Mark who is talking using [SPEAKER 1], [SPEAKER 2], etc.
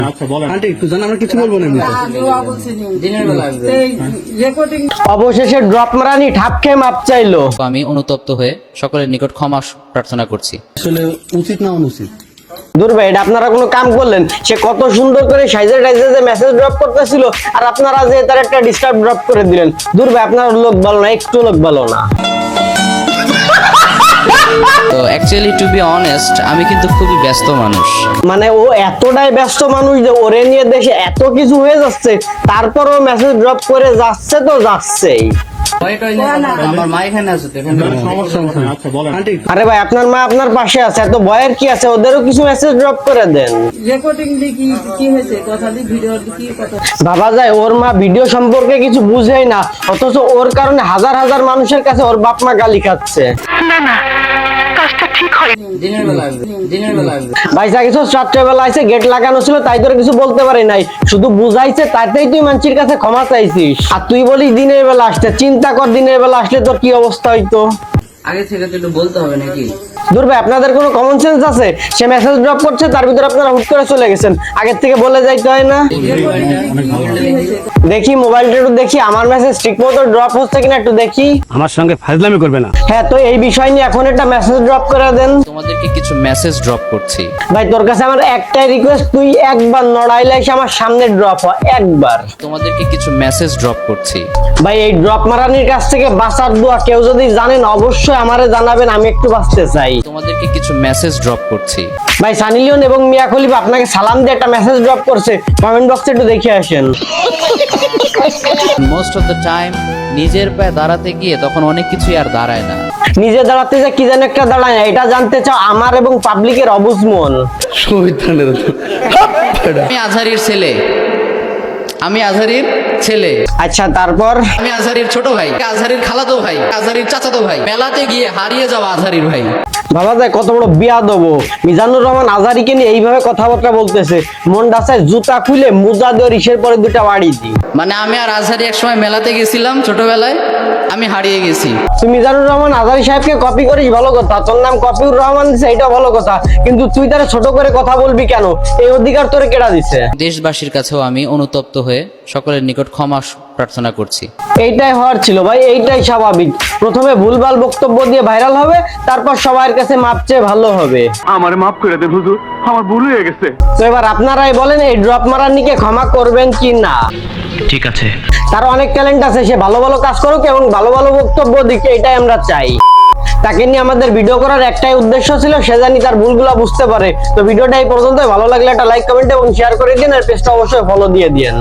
[SPEAKER 1] আচ্ছা বলেন আন্টি একটু জান, আমরা কিছু বলবো না
[SPEAKER 2] অবশেষে ড্রপ মারানি ঠাপ খেয়ে মাপ চাইলো।
[SPEAKER 3] আমি অনুতপ্ত হয়ে সকলের নিকট ক্ষমা প্রার্থনা করছি।
[SPEAKER 1] আসলে উচিত না অনুচিত?
[SPEAKER 2] দূর ভাই, এটা আপনারা কোনো কাম করলেন? সে কত সুন্দর করে সাইজে টাইজে যে মেসেজ ড্রপ করতেছিল, আর আপনারা যে তার একটা ডিস্টার্ব ড্রপ করে দিলেন। দূর ভাই, আপনার লোক ভালো না, একটু লোক ভালো না।
[SPEAKER 3] তো অ্যাকচুয়ালি টু বি অনেস্ট, আমি কিন্তু খুবই ব্যস্ত মানুষ।
[SPEAKER 2] মানে ও এতটাই ব্যস্ত মানুষ যে ওরে নিয়ে দেশে এত কিছু হয়ে যাচ্ছে, তারপরও মেসেজ ড্রপ করে যাচ্ছে তো যাচ্ছেই।
[SPEAKER 3] আমার মা এখানে আছে,
[SPEAKER 1] সমস্যা নেই। আচ্ছা বলেন আন্টি
[SPEAKER 2] আরে ভাই, আপনার মা আপনার পাশে আছে, এত ভয়ের কি আছে? ওদেরও কিছু মেসেজ ড্রপ করে দেন।
[SPEAKER 4] রেকর্ডিং দেখি কি হয়েছে, কথা দিয়ে ভিডিও কি কথা।
[SPEAKER 2] ভাবা যায় ওর মা ভিডিও সম্পর্কে কিছু বুঝেই না, অথচ ওর কারণে হাজার হাজার মানুষের কাছে ওর বাপ মা গালি খাচ্ছে। ভাই যা কিছু রাত্রেবেলা আইসে, গেট লাগানো ছিল তাই তোর কিছু বলতে পারি নাই, শুধু বুঝাইছে তাতেই তুই মানুষের কাছে ক্ষমা চাইছিস, আর তুই বলিস দিনের বেলা আসতে। চিন্তা কর দিনের বেলা আসলে তোর কি অবস্থা হইতো।
[SPEAKER 3] আগে থেকে তো একটু বলতে হবে নাকি?
[SPEAKER 2] দূর ভাই, আপনাদের কোনো কমন সেন্স আছে? সে মেসেজ ড্রপ করছে, তার ভিতরে আপনারা হুট করে চলে গেছেন। আগের থেকে বলে যাইতে হয় না? দেখি মোবাইলটা একটু দেখি, আমার মেসেজ ঠিক মতো ড্রপ হচ্ছে কিনা একটু দেখি।
[SPEAKER 1] আমার সঙ্গে ফাজলামি করবে না।
[SPEAKER 2] হ্যাঁ, তো এই বিষয় নিয়ে এখন একটা মেসেজ ড্রপ করে দেন।
[SPEAKER 3] তোমাদেরকে কিছু মেসেজ ড্রপ করছি।
[SPEAKER 2] ভাই তোর কাছে আমার একটাই রিকোয়েস্ট, তুই একবার নড়াইলে এসে আমার সামনে ড্রপ হ, একবার।
[SPEAKER 3] তোমাদেরকে কিছু মেসেজ ড্রপ করছি।
[SPEAKER 2] ভাই এই ড্রপ মারানির কাছ থেকে বাঁচার দোয়া কেউ যদি জানেন অবশ্যই আমারে জানাবেন, আমি একটু বাঁচতে চাই।
[SPEAKER 3] তোমাদেরকে কিছু মেসেজ ড্রপ করছি।
[SPEAKER 2] ভাই সানি লিওন এবং মিয়া খলিফা আপনাকে সালাম দিয়ে একটা মেসেজ ড্রপ করছে, কমেন্ট বক্সে একটু দেখে আসেন।
[SPEAKER 3] মোস্ট অফ দ্য টাইম নিজের পায়ে দাঁড়াতে গিয়ে তখন অনেক কিছুই আর দাঁড়ায় না।
[SPEAKER 2] নিজে দাঁড়াতে যে কি যেন একটা দাঁড়ায় না, এটা জানতে চাও আমার এবং পাবলিকের অবুঝ মন।
[SPEAKER 3] আমি আজহারির ছেলে, আমি আজহারির ছেলে।
[SPEAKER 2] আচ্ছা তারপর?
[SPEAKER 3] আমি আজহারির ছোট ভাই, আজহারির খালাতো ভাই, আজহারির চাচাতো ভাই। মেলাতে গিয়ে হারিয়ে যাওয়া আজহারির ভাই।
[SPEAKER 2] ভাবা যায় কত বড় বিয়া দেবো। মিজানুর রহমান আজহারিকে নিয়ে এইভাবে কথাবার্তা বলতেছে, মন ডাসায় জুতা খুলে মুজা দিয়ে ইসের পরে দুটা বাড়ি দিই।
[SPEAKER 3] মানে আমি আর আজহারি একসময় মেলাতে গেছিলাম ছোটবেলায়, আমি হারিয়ে গেছি।
[SPEAKER 2] তুই মিজানুর রহমান আজহারি সাহেবকে কপি করিস ভালো কথা, তোর নাম কপিউর রহমান দিছে এটা ভালো কথা, কিন্তু তুই তারা ছোট করে কথা বলবি কেন? এই অধিকার তোরে কেডা দিছে?
[SPEAKER 3] দেশবাসীর কাছেও আমি অনুতপ্ত হয়ে সকলের নিকট ক্ষমা প্রার্থনা করছি।
[SPEAKER 2] এইটাই হওয়ার ছিল ভাই, এইটাই স্বাভাবিক। প্রথমে ভুলভাল বক্তব্য দিয়ে ভাইরাল হবে, তারপর সবার কাছে মাপ চেয়ে ভালো হবে।
[SPEAKER 5] আমারে মাফ করে দেন হুজুর, আমার ভুল হয়ে গেছে।
[SPEAKER 2] তো এবার আপনারাই বলেন, এই ড্রপ মারানিকে ক্ষমা করবেন কি না?
[SPEAKER 5] ঠিক আছে।
[SPEAKER 2] তার অনেক ট্যালেন্ট আছে, সে ভালো ভালো কাজ করুক এবং ভালো ভালো বক্তব্য দিক, এটাই আমরা চাই। তাকে নিয়ে আমাদের ভিডিও করার একটাই উদ্দেশ্য ছিল, সে জানি তার ভুলগুলা বুঝতে পারে। তো ভিডিওটা এই পর্যন্ত, ভালো লাগলে একটা লাইক কমেন্ট এবং শেয়ার করে দিন, আর পেজটা অবশ্যই ফলো দিয়ে দিন।